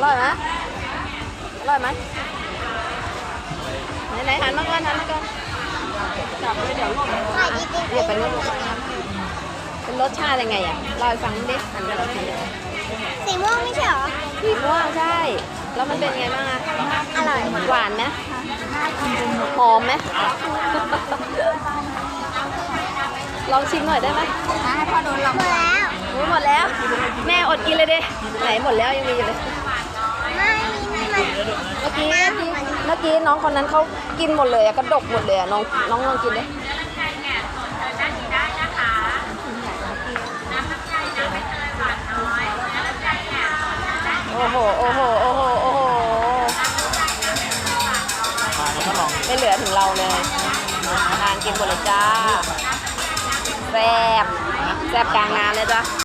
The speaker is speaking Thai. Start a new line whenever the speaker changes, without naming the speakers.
ร่อยไหมอร่อยไหมไหนหันมาก่อนจับไปเดี๋ยวลวก
ขายดีจริง
เรียกไปลวกเป็นรสชาติยังไงอ่ะเล่าให้ฟังดิหันมาเราที
สีม่วงไม่ใช่เหรอ
สีม่วงใช่ แล้วมันเป็นไงบ้างอะ
อร่อย
หวานไหมหอมไหม ลองชิมหน่อยได้ไหม
ให้พ่อโดนหลอกหมดแล้ว
โอ้ยหมดแล้ว แม่อดกินเลยดิไหนหมดแล้วยังมีอยู่เลย
ไม่มีมัน
เมื่อกี้น้องคนนั้นเขากินหมดเลยอะกระดกหมดเลยอะน้องลองกินดิโอ้โหไม่เหลือถึงเราเลยทานกินหมดเลยจ้าแซ่บกลางงานเลยจ้ะ